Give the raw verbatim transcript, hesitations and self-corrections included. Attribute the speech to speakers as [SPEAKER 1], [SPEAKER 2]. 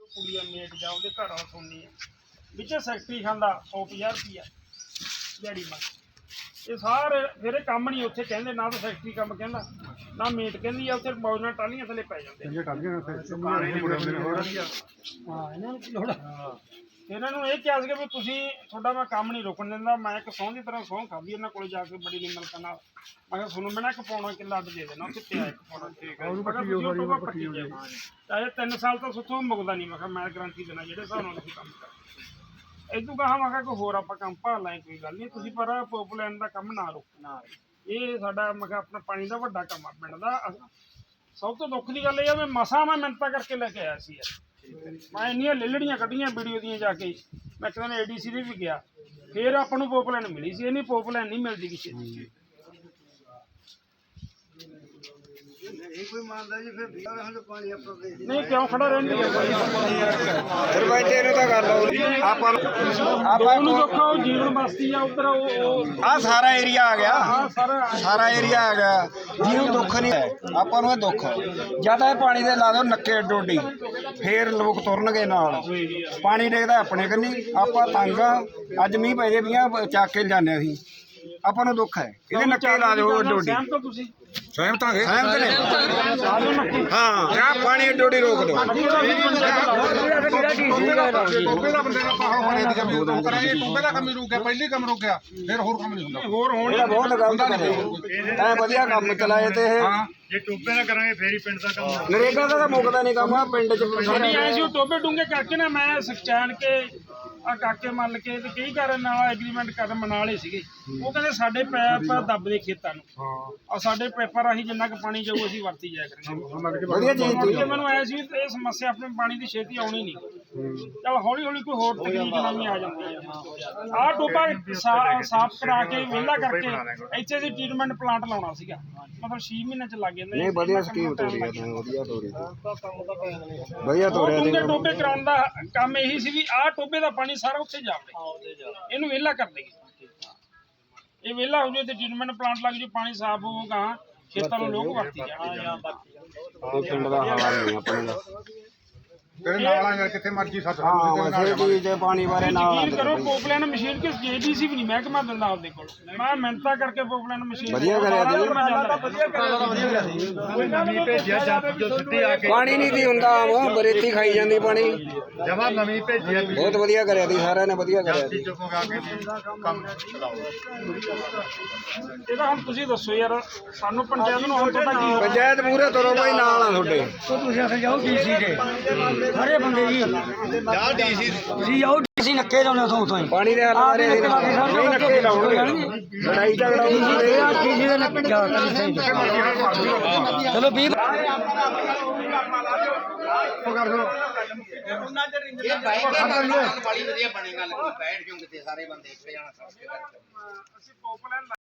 [SPEAKER 1] ਕੁੜੀਆਂ ਮੇਟ ਜਾ ਉਹਦੇ ਘਰ ਵਾਲਾ ਸੁਣਨੀ ਹੈ ਵਿੱਚ ਸੈਕਟਰੀ ਖਾਂਦਾ ਸੌ ਪੰਜਾਹ ਰੁਪਈਆ ਦਿਹਾੜੀ ਮਾ ਇਹ ਸਾਰੇ ਫਿਰ ਇਹ ਕੰਮ ਨਹੀਂ ਉੱਥੇ ਕਹਿੰਦੇ ਨਾ ਤਾਂ ਸੈਕਟਰੀ ਕੰਮ ਕਹਿੰਦਾ ਨਾ ਮੇਟ ਕਹਿੰਦੀ ਆ ਉੱਥੇ ਮੌਜਾਂ ਟਾਹਲੀਆਂ ਥੱਲੇ ਪੈ ਜਾਂਦੇ ਹਾਂ ਇਹਨਾਂ ਨੂੰ ਲੋੜ ਇਹਨਾਂ ਨੂੰ ਇਹ ਕਿਹਾ ਸੀਗਾ ਵੀ ਤੁਸੀਂ ਤੁਹਾਡਾ ਮੈਂ ਕੰਮ ਨਹੀਂ ਰੁਕਣ ਦਿੰਦਾ ਮੈਂ ਇੱਕ ਸਹੁੰ ਦੀ ਤਰ੍ਹਾਂ ਸਹੁੰ ਖਾਧੀ ਇਹਨਾਂ ਕੋਲ ਜਾ ਕੇ ਬੜੀ ਨਿਮਰਤਾ ਨਾਲ ਮੈਂ ਕਿਹਾ ਤੁਹਾਨੂੰ ਮੈਂ ਨਾ ਇੱਕ ਪਾਉਣਾ ਕਿੱਲਾ ਅੱਡ ਦੇ ਦੇਣਾ ਉੱਥੇ ਪਿਆ ਇੱਕ ਪਾਉਣਾ ਠੀਕ ਹੈ ਚਾਹੇ ਤਿੰਨ ਸਾਲ ਤੋਂ ਸੁੱਥੋਂ ਮੁੱਕਦਾ ਨਹੀਂ ਮੈਂ ਕਿਹਾ ਮੈਂ ਗਰੰਟੀ ਦੇਣਾ ਜਿਹੜੇ ਹਿਸਾਬ ਨਾਲ ਤੁਸੀਂ ਕੰਮ ਕਰ ਇਦੋਂ ਕਹਾ ਮੈਂ ਕਿਹਾ ਕੋਈ ਹੋਰ ਆਪਾਂ ਕੰਮ ਭਾਲ ਲਾਂਗੇ ਕੋਈ ਗੱਲ ਨਹੀਂ ਤੁਸੀਂ ਪਰ ਪੋਪਲੈਂਡ ਦਾ ਕੰਮ ਨਾ ਰੋਕਣਾ ਇਹ ਸਾਡਾ ਮੈਂ ਕਿਹਾ ਆਪਣਾ ਪਾਣੀ ਦਾ ਵੱਡਾ ਕੰਮ ਆ ਪਿੰਡ ਦਾ ਸਭ ਤੋਂ ਦੁੱਖ ਦੀ ਗੱਲ ਇਹ ਆ ਵੀ ਮਸਾਂ ਮੈਂ ਮਿੰਨਤਾਂ ਕਰਕੇ ਲੈ ਕੇ ਆਇਆ ਸੀ ਯਾਰ ਮੈਂ ਇੰਨੀਆਂ ਲਿਲੜੀਆਂ ਕੱਢੀਆਂ ਵੀਡੀਓ ਦੀਆਂ ਜਾ ਕੇ ਮੈਂ ਇੱਕ ਦਿਨ ਏ ਡੀ ਸੀ ਦੇ ਵੀ ਗਿਆ ਫਿਰ ਆਪਾਂ ਨੂੰ ਪੋਪਲੈਂਡ ਮਿਲੀ ਸੀ ਇਹਨੀ ਪੋਪਲੈਂਡ ਨਹੀਂ ਮਿਲਦੀ ਕਿਸੇ ਦੀ ਨਹੀਂ ਕਿਉਂ ਖੜਾ ਰਹਿੰਦੀ
[SPEAKER 2] ਫਿਰ ਬੈਠੇ ਨੂੰ ਤਾਂ ਗੱਲ ਹੋ ਆਪਾਂ
[SPEAKER 1] ਆਪਾਂ ਨੂੰ ਦੇਖੋ ਜੀਵਨ ਬਸਤੀ ਆ ਉਧਰ ਉਹ
[SPEAKER 2] ਆ ਸਾਰਾ ਏਰੀਆ ਆ ਗਿਆ
[SPEAKER 1] ਆ ਸਾਰਾ
[SPEAKER 2] ਸਾਰਾ ਏਰੀਆ ਆ ਗਿਆ ਜਿਹਨੂੰ ਦੁੱਖ ਨਹੀਂ ਹੈ ਆਪਾਂ ਨੂੰ ਇਹ ਦੁੱਖ ਜਦ ਇਹ ਪਾਣੀ ਦੇ ਲਾ ਦਿਓ ਨੱਕੇ ਡੋਡੀ ਫੇਰ ਲੋਕ ਤੁਰਨਗੇ ਨਾਲ ਪਾਣੀ ਡੇਗਦਾ ਆਪਣੇ ਕੰਨੀ ਆਪਾਂ ਤੰਗ ਆ ਅੱਜ ਮੀਂਹ ਪੈ ਜੇ ਵੀਆਂ ਚੱਕ ਕੇ ਜਾਂਦੇ ਅਸੀਂ ਆਪਾਂ ਨੂੰ ਦੁੱਖ ਹੈ ਇਹਦੇ ਨੱਕੇ ਲਾ ਦਿਓ ਡੋਡੀ
[SPEAKER 1] ਤੁਸੀਂ
[SPEAKER 2] ਸਹਿਮਤ ਹਾਂ ਸਹਿਮਤ ਨੇ ਹਾਂ ਜਾਂ ਪਾਣੀ ਡੋਡੀ ਰੋਕ ਦਿਓ
[SPEAKER 3] ਟੋਬੇ ਦਾ ਬੰਦੇ ਦਾ ਪਾਹਾ ਹੋਣੇ ਦੀ ਕਮੀ ਉਦੋਂ ਕਰਾਂਗੇ ਟੋਬੇ ਦਾ ਕੰਮ ਰੁਕ ਗਿਆ ਪਹਿਲੀ ਕੰਮ ਰੁਕਿਆ ਫਿਰ ਹੋਰ ਕੰਮ ਨਹੀਂ ਹੁੰਦਾ
[SPEAKER 1] ਹੋਰ ਹੋਣ
[SPEAKER 2] ਇਹ ਬਹੁਤ ਗਲਤ ਕਰੇ ਐ ਵਧੀਆ ਕੰਮ ਚਲਾਏ ਤੇ ਇਹ
[SPEAKER 3] ਜੇ ਟੋਬੇ ਦਾ ਕਰਾਂਗੇ ਫੇਰ ਹੀ ਪਿੰਡ ਦਾ ਕੰਮ
[SPEAKER 2] ਨਰੇਗਾ ਦਾ ਤਾਂ ਮੁੱਕਦਾ ਨਹੀਂ ਕੰਮ ਆ ਪਿੰਡ ਚ
[SPEAKER 1] ਸਾਡੀ ਐ ਸੀ ਉਹ ਟੋਬੇ ਡੂੰਗੇ ਕਰਕੇ ਨਾ ਮੈਂ ਸਖਚਾਨ ਕੇ ਆ ਕਾਕੇ ਮੱਲ ਕੇ ਤੇ ਕਈ ਘਰ ਨਾਲ ਐਗਰੀਮੈਂਟ ਕਰਨ ਮਨਾ ਲਏ ਸੀਗੇ ਉਹ ਕਹਿੰਦੇ ਸਾਡੇ ਪੈਪ ਦੱਬਦੇ ਖੇਤਾਂ ਨੂੰ ਆ ਸਾਡੇ ਪੈਪਾਂ ਰਾਹੀਂ ਜਿੰਨਾ ਕੁ ਪਾਣੀ ਜਾਊ ਅਸੀਂ ਵਰਤੀ ਜਾਇਆ ਕਰਾਂਗੇ
[SPEAKER 2] ਵਧੀਆ ਚੀਜ਼ ਤੀ
[SPEAKER 1] ਮੈਨੂੰ ਆਇਆ ਸੀ ਇਹ ਸਮੱਸਿਆ ਆਪਣੇ ਪਾਣੀ ਦੀ ਛੇਤੀ ਆਉਣੀ ਨਹੀਂ ਚਲ ਹੌਲੀ ਹੌਲੀ ਕੋਈ ਹੋਰ ਤਕਨੀਕ ਨਵੀਂ ਆ ਜਾਂਦੀ ਹੈ ਆਹ ਟੋਬਾ ਸਾਫ਼ ਕਰਾ ਕੇ ਵਿਹਲਾ ਕਰਕੇ ਇੱਥੇ ਦੀ ਟ੍ਰੀਟਮੈਂਟ ਪਲਾਂਟ ਲਾਉਣਾ ਸੀਗਾ ਮਤਲਬ ਛੇ ਮਹੀਨੇ ਚ ਲੱਗ ਜਾਂਦੇ
[SPEAKER 2] ਨਹੀਂ ਵਧੀਆ ਸਕੀਮ ਤੋਰੀ ਆ ਤੈਨੂੰ ਵਧੀਆ ਤੋਰੀ ਵਧੀਆ ਤੋਰਿਆ
[SPEAKER 1] ਡੂੰਘੇ ਟੋਬੇ ਕਰਾਉਣ ਦਾ ਕੰਮ ਇਹੀ ਸੀ ਵੀ ਆਹ ਟੋਬੇ ਦਾ ਪਾਣੀ ਸਾਰਾ ਉੱਥੇ ਜਾਵੇ ਇਹਨੂੰ ਵਿਹਲਾ ਕਰ ਦੇਗੇ ਇਹ ਵਿਹਲਾ ਹੋ ਜਾਵੇ ਤੇ ਟ੍ਰੀਟਮੈਂਟ ਪਲਾਂਟ ਲੱਗ ਜਾਵੇ ਪਾਣੀ ਸਾਫ਼ ਹੋਊਗਾ ਖੇਤਾਂ ਨੂੰ ਲੋਕ ਵਰਤੀ ਜਾਣਗੇ
[SPEAKER 2] ਪਿੰਡ ਦਾ ਹਾਲ ਨਹੀਂ ਆਪਣੇ ਦਾ
[SPEAKER 3] ਤੇਰੇ ਨਾਲ ਆ ਯਾਰ ਕਿੱਥੇ ਮਰਜੀ ਸੱਤ
[SPEAKER 2] ਹਾਂ ਵਸੇ ਚੀਜ਼ ਦੇ ਪਾਣੀ ਬਾਰੇ ਨਾਲ
[SPEAKER 1] ਯਕੀਨ ਕਰੋ ਪੋਪਲੈਨ ਮਸ਼ੀਨ ਕਿਸ ਜੇ ਡੀ ਸੀ ਵੀ ਨਹੀਂ ਮਹਿਕਮਾ ਦਿੰਦਾ ਆਪਦੇ ਕੋਲ ਮੈਂ ਮਿਹਨਤਾਂ ਕਰਕੇ ਪੋਪਲੈਨ ਮਸ਼ੀਨ
[SPEAKER 2] ਵਧੀਆ ਕਰਿਆ ਜੀ
[SPEAKER 3] ਨਵੀਂ ਭੇਜਿਆ ਜੱਟ ਜੋ ਸਿੱਧੀ ਆ ਕੇ
[SPEAKER 2] ਪਾਣੀ ਨਹੀਂ ਦੀ ਹੁੰਦਾ ਆਮ ਬਰੇਤੀ ਖਾਈ ਜਾਂਦੀ ਪਾਣੀ
[SPEAKER 3] ਜਮਾ ਨਵੀਂ ਭੇਜਿਆ
[SPEAKER 2] ਬਹੁਤ ਵਧੀਆ ਕਰਿਆ ਦੀ ਸਾਰਿਆਂ ਨੇ ਵਧੀਆ ਕਰਿਆ
[SPEAKER 3] ਜੀ ਚੁੱਪ ਗਾ ਕੇ ਕੰਮ ਚਲਾਓ
[SPEAKER 1] ਇਹਦਾ ਹੁਣ ਤੁਸੀਂ ਦੱਸੋ ਯਾਰ ਸਾਨੂੰ ਪੰਚਾਇਤ ਨੂੰ ਹੁਣ ਤੁਹਾਡਾ ਕੀ
[SPEAKER 2] ਪੰਚਾਇਤ ਪੂਰੇ ਤਰ੍ਹਾਂ ਬਾਈ ਨਾਲ ਆ ਤੁਹਾਡੇ
[SPEAKER 4] ਤੁਸੀਂ ਅਸਾਂ ਜਾਓ ਡੀਸੀ ਦੇ ਸਾਰੇ ਬੰਦੇ ਜੀ
[SPEAKER 3] ਜਾ ਡੀਸੀ
[SPEAKER 4] ਤੁਸੀਂ ਜਾਓ ਡੀਸੀ ਨੱਕੇ ਲਾਉਣੇ ਉਥੋਂ ਉਥੋਂ ਹੀ
[SPEAKER 2] ਪਾਣੀ ਦੇ ਹਾਲ ਬਾਰੇ ਨਹੀਂ ਨੱਕੇ ਲਾਉਣਗੇ ਲੜਾਈ ਝਗੜਾ
[SPEAKER 4] ਡੀਸੀ ਦੇ ਨੱਕੇ ਜਾ ਚਲੋ ਵੀਹ
[SPEAKER 5] ਇਹ ਬਾਈਕ ਵਾਲੀ ਵਧੀਆ ਬਣੇਗਾ ਬੈਠ ਜਾਓ ਕਿਤੇ ਸਾਰੇ ਬੰਦੇ ਇੱਥੇ ਜਾਣਾ ਸਭ
[SPEAKER 1] ਅਸੀਂ ਪੋਪਲੈਨ